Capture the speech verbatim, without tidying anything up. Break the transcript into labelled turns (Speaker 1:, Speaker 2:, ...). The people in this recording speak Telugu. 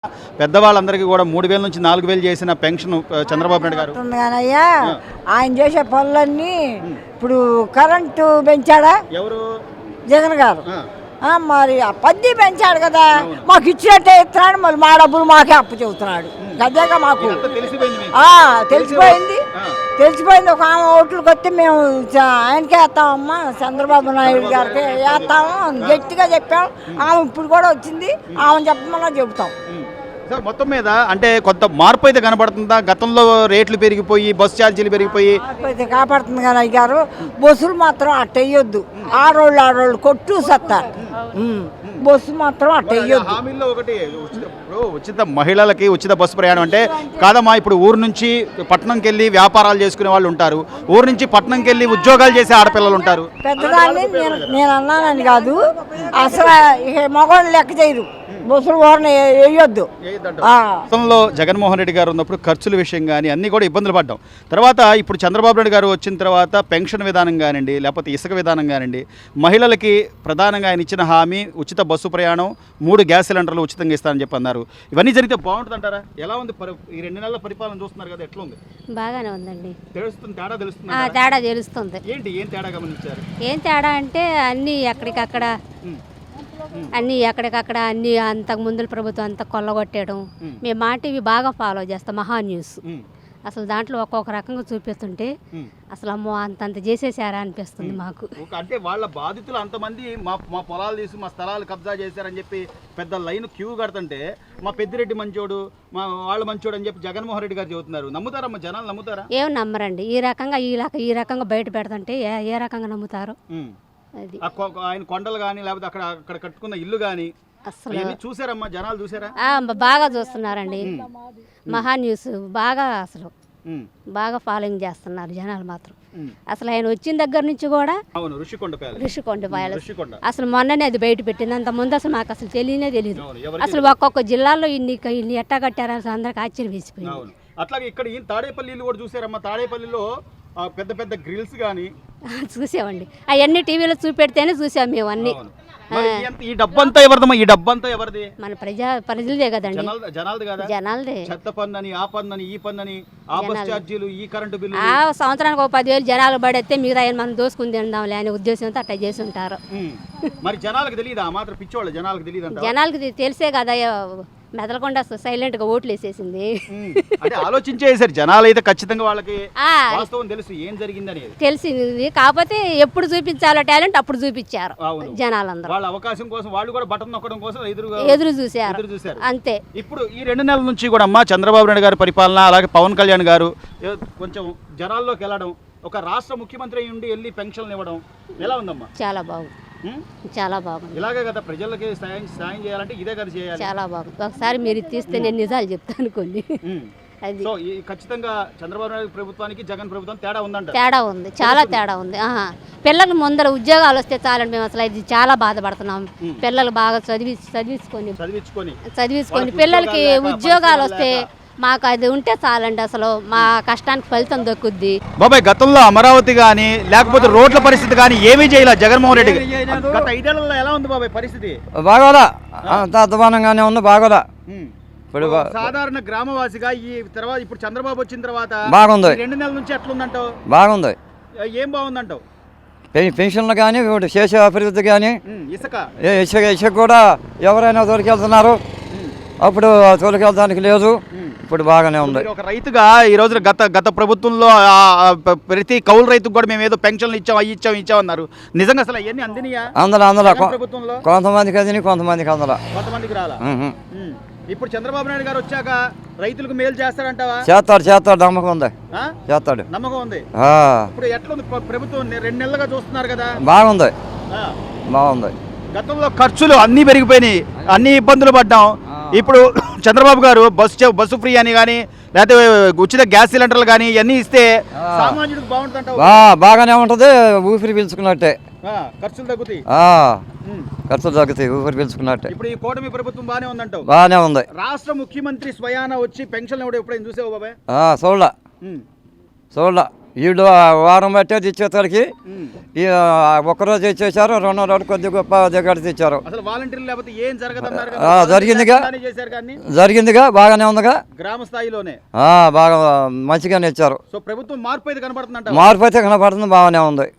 Speaker 1: పెద్దవాళ్ళందరికీ కూడా మూడు వేల నుంచి నాలుగు వేలు చేసిన పెన్షన్ చంద్రబాబు నాయుడు గారు
Speaker 2: కానయ్యా ఆయన చేసే పనులన్నీ ఇప్పుడు కరెంటు పెంచాడా
Speaker 1: ఎవరు
Speaker 2: జగన్ గారు మరి ఆ పద్ది పెంచాడు కదా మాకు ఇచ్చినట్టే ఇస్తున్నాడు మళ్ళీ మా డబ్బులు మాకే అప్పు చెబుతున్నాడు గద్దెగా మాకు తెలిసిపోయింది తెలిసిపోయింది ఒక ఆమె ఓట్లకు వస్తే మేము ఆయనకే వేస్తామమ్మా చంద్రబాబు నాయుడు గారికి వేస్తాము గట్టిగా చెప్పాం ఆమె ఇప్పుడు కూడా వచ్చింది ఆమె చెప్పమన్నా చెబుతాం
Speaker 1: మొత్తం మీద అంటే కొంత మార్పు అయితే కనబడుతుందా? గతంలో రేట్లు పెరిగిపోయి బస్సు ఛార్జీలు పెరిగిపోయి
Speaker 2: అయితే కాపాడుతుంది కదా అయ్యారు బస్సులు మాత్రం అట్ట వేయొద్దు ఆడోళ్ళు ఆడోళ్ళు కొట్టు సత్తారు బస్సు మాత్రం అట్ట వేయొద్దు.
Speaker 1: హామీల్లో ఒకటి ఉచిత మహిళలకి ఉచిత బస్సు ప్రయాణం అంటే కాదమ్మా, ఇప్పుడు ఊరు నుంచి పట్టణంకి వెళ్ళి వ్యాపారాలు చేసుకునే వాళ్ళు ఉంటారు, ఊరు నుంచి పట్టణంకి వెళ్ళి ఉద్యోగాలు చేసే ఆడపిల్లలు ఉంటారు.
Speaker 2: పెద్దదాన్ని నేను నేను అన్నానని కాదు, అసలు మగవాళ్ళు లెక్క చేయరు బస్సులు ఓరని వేయొద్దు.
Speaker 1: గతంలో జగన్మోహన్ రెడ్డి గారు ఉన్నప్పుడు ఖర్చుల విషయం కానీ అన్నీ కూడా ఇబ్బందులు పడ్డాం. తర్వాత ఇప్పుడు చంద్రబాబు నాయుడు గారు వచ్చిన తర్వాత పెన్షన్ విధానం కానివ్వండి, లేకపోతే ఇసుక విధానం కానివ్వండి, మహిళలకి ప్రధానంగా ఆయన ఇచ్చిన హామీ ఉచిత బస్సు ప్రయాణం, మూడు గ్యాస్ సిలిండర్లు ఉచితంగా ఇస్తారని చెప్పి అన్నారు. ఇవన్నీ జరిగితే బాగుంటుంది అంటారా? ఎలా ఉంది ఈ రెండు నెలల పరిపాలన చూస్తున్నారు కదా, ఎట్లా ఉంది?
Speaker 3: బాగానే ఉందండి.
Speaker 1: తెలుస్తుంది, తేడా తెలుస్తుంది.
Speaker 3: తేడా తెలుస్తుంది.
Speaker 1: ఏంటి ఏం తేడా గమనించారు?
Speaker 3: ఏం తేడా అంటే అన్నీ ఎక్కడికక్కడ అన్నీ ఎక్కడికక్కడ అన్నీ అంతకు ముందు ప్రభుత్వం అంతా కొల్లగొట్టేయడం. మేము మా టీవీ బాగా ఫాలో చేస్తాం, మహా న్యూస్. అసలు దాంట్లో ఒక్కొక్క రకంగా చూపిస్తుంటే అసలు అమ్మో అంతంత చేసేసారా అనిపిస్తుంది మాకు.
Speaker 1: అంటే వాళ్ళ బాధితులు అంతమంది మా మా పొలాలు తీసి మా స్థలాలు కబ్జా చేశారని చెప్పి పెద్ద లైన్ క్యూ కడుతుంటే మా పెద్దిరెడ్డి మంచోడు, మా వాళ్ళు మంచోడు అని చెప్పి జగన్మోహన్ రెడ్డి గారు చెబుతున్నారు. నమ్ముతారమ్మా జనాలు? నమ్ముతారా?
Speaker 3: ఏం నమ్మరండి. ఈ రకంగా ఈ రకంగా ఈ రకంగా బయట పెడుతుంటే ఏ రకంగా నమ్ముతారు? అది
Speaker 1: ఆయన కొండలు కానీ లేకపోతే అక్కడ అక్కడ కట్టుకున్న ఇల్లు కానీ అసలు చూసారమ్మా జనాలు? చూసారా?
Speaker 3: బాగా చూస్తున్నారండి. మహా న్యూస్ బాగా అసలు బాగా ఫాలోయింగ్ చేస్తున్నారు జనాలు మాత్రం. అసలు ఆయన వచ్చిన దగ్గర నుంచి కూడా ఋషికొండ ప్యాలెస్ అసలు మొన్ననే అది బయట పెట్టింది. అంత ముందు అసలు మాకు అసలు తెలియనే తెలియదు. అసలు ఒక్కొక్క జిల్లాలో ఇన్ని ఇన్ని ఎట్టా కట్టారు అసలు అందరికి ఆశ్చర్యం వేసిపోయింది.
Speaker 1: అట్లాగే ఇక్కడ ఈ తాడేపల్లి కూడా చూసారమ్మా. తాడేపల్లిలో పెద్ద పెద్ద గ్రిల్స్ కానీ
Speaker 3: చూసామండి. అవన్నీ టీవీలో చూపెడితేనే చూసాం మేము అన్ని.
Speaker 1: ఈ డబ్బంతా ఎవరిదమ్మా? ఈ డబ్బంతా ఎవరిది?
Speaker 3: మన ప్రజా ప్రజలదే కదండి,
Speaker 1: జనాలది కదా.
Speaker 3: జనాలదే.
Speaker 1: చెత్త పన్ను ఆ పన్ను ఈ పన్ను ఆ బస్ ఛార్జీలు ఈ కరెంటు బిల్లు.
Speaker 3: ఆ సంవత్సరానికి ఒక పదివేలు జనాలు పడితే మిగతా మనం దోసుకుని తిందాంలే అనే ఉద్దేశంతో అట్లా చేసి ఉంటారు.
Speaker 1: మరి జనాలకు తెలియదా? మాత్రం పిచ్చోళ్ళు జనాలకు తెలియదు.
Speaker 3: జనాలకి తెలిసే కదా మెదలకుండా సైలెంట్ గా ఓట్లు వేసేసింది.
Speaker 1: అంటే ఆలోచించేసారు జనాలు అయితే ఖచ్చితంగా వాళ్ళకి వాస్తవం తెలుసు ఏం జరిగిందని
Speaker 3: తెలిసింది. కాకపోతే ఎప్పుడు చూపించాలో టాలెంట్ అప్పుడు చూపించారు జనాలందరూ.
Speaker 1: వాళ్ళ అవకాశం కోసం వాళ్ళు కూడా బటన్ నొక్కడం కోసం ఎదురు
Speaker 3: ఎదురు చూసారు అంతే.
Speaker 1: ఇప్పుడు ఈ రెండు నెలల నుంచి కూడా అమ్మా చంద్రబాబు నాయుడు గారి పరిపాలన, అలాగే పవన్ కళ్యాణ్ గారు కొంచెం జనాల్లోకి వెళ్ళడం, ఒక రాష్ట్ర ముఖ్యమంత్రి నుండి వెళ్ళి పెన్షన్లు ఇవ్వడం ఎలా ఉందమ్మా?
Speaker 3: చాలా బాగుంది, చాలా బాగుంది.
Speaker 1: ఇలాగే కదా ప్రజలకి సాయం సాయం చేయాలంటే ఇదే కదా చేయాలి.
Speaker 3: చాలా బాగుంది. ఒకసారి మీరు తీస్తే నేను నిజాలు చెప్తాను కొన్ని.
Speaker 1: అది సో ఖచ్చితంగా చంద్రబాబు నాయుడు ప్రభుత్వానికి జగన్ ప్రభుత్వం తేడా ఉందంట.
Speaker 3: తేడా ఉంది, చాలా తేడా ఉంది. పిల్లలు ముందర ఉద్యోగాలు వస్తే చాలండి. మేము అసలు ఇది చాలా బాధపడుతున్నాం. పిల్లలు బాగా చదివి చదివించుకొని చదివించుకొని చదివించుకొని పిల్లలకి ఉద్యోగాలు వస్తే మాకు అది ఉంటే చాలండి. అసలు మా కష్టానికి ఫలితం దక్కుద్ది.
Speaker 1: బాబాయ్ గతంలో అమరావతి కానీ లేకపోతే రోడ్ల పరిస్థితి కానీ ఏమీ చేయలే జగన్మోహన్ రెడ్డి. గత ఐదేళ్లలో ఎలా ఉంది బాబాయ్ పరిస్థితి?
Speaker 4: బాగోదా, అంత అధ్వానంగానే ఉంది. బాగోదా.
Speaker 1: ఇప్పుడు సాధారణ గ్రామవాసిగా ఈ తర్వాత ఇప్పుడు చంద్రబాబు వచ్చిన తర్వాత
Speaker 4: బాగుంది.
Speaker 1: రెండు నెలల నుంచి ఎట్లుందంటావు?
Speaker 4: బాగుంది.
Speaker 1: ఏం బాగుందంటావు?
Speaker 4: పెన్షన్లు కానీ చేసే అభివృద్ధి కానీ
Speaker 1: ఇసుక
Speaker 4: ఇసుక ఇసుక కూడా ఎవరైనా తోలికెళ్తున్నారు, అప్పుడు తోలికెళ్ళడానికి లేదు. ఇప్పుడు బాగానే ఉంది.
Speaker 1: ఒక రైతుగా ఈ రోజున గత గత ప్రభుత్వంలో ప్రతి కౌలు రైతుకు కూడా మేము ఏదో పెన్షన్లు ఇచ్చాం అవి ఇచ్చాం ఇచ్చామన్నారు. నిజంగా అసలు అవన్నీ అందినయా?
Speaker 4: అందులో అందులో కొంతమందికి అందిని కొంతమందికి అందులో
Speaker 1: కొంతమందికి రాలా. ఇప్పుడు చంద్రబాబు నాయుడు గారు వచ్చాక రైతులకు మేలు చేస్తారంటావా?
Speaker 4: చేస్తాడు చేస్తాడు నమ్మకం ఉంది. చేస్తాడు
Speaker 1: నమ్మకం ఉంది. ఇప్పుడు ఎట్లా ఉంది ప్రభుత్వం? రెండు నెలలుగా చూస్తున్నారు కదా.
Speaker 4: బాగుంది, బాగుంది.
Speaker 1: గతంలో ఖర్చులు అన్నీ పెరిగిపోయినాయి, అన్ని ఇబ్బందులు పడ్డాం. ఇప్పుడు చంద్రబాబు గారు బస్సు బస్సు ఫ్రీ అని కానీ లేకపోతే ఉచిత గ్యాస్ సిలిండర్లు కానీ ఇవన్నీ ఇస్తే సామాన్యుడికి బాగుంటుంది.
Speaker 4: బాగానే ఉంటుంది, ఊపిరి పీల్చుకున్నట్టే.
Speaker 1: ఖర్చులు తగ్గుతాయి,
Speaker 4: ఖర్చులు తగ్గుతాయి, ఊపిరి పీల్చుకున్నట్టే.
Speaker 1: ఇప్పుడు ఈ కూటమి ప్రభుత్వం బాగానే ఉందంటావు?
Speaker 4: బాగానే ఉంది.
Speaker 1: రాష్ట్ర ముఖ్యమంత్రి స్వయాన వచ్చి పెన్షన్ ఎప్పుడైనా చూసావు బాబాయ్?
Speaker 4: చూడలా చూడలా వీళ్ళు ఆ వారం పట్టేది ఇచ్చేసరికి ఈ ఒక్కరోజు ఇచ్చేసారు, రెండో రోజు కొద్ది గొప్ప దగ్గర తెచ్చారు.
Speaker 1: అసలు వాలంటీర్లు లేకపోతే ఏం జరగదన్నారు
Speaker 4: ఆ, జరిగిందిగా
Speaker 1: చేశారు కానీ
Speaker 4: జరిగిందిగా బాగానే ఉందిగా,
Speaker 1: గ్రామ స్థాయిలోనే
Speaker 4: ఆ, బాగా మంచిగానే ఇచ్చారు.
Speaker 1: సో ప్రభుత్వం మార్పు అయితే కనబడుతుందంట.
Speaker 4: మార్పు అయితే కనపడుతుంది, బాగానే ఉంది.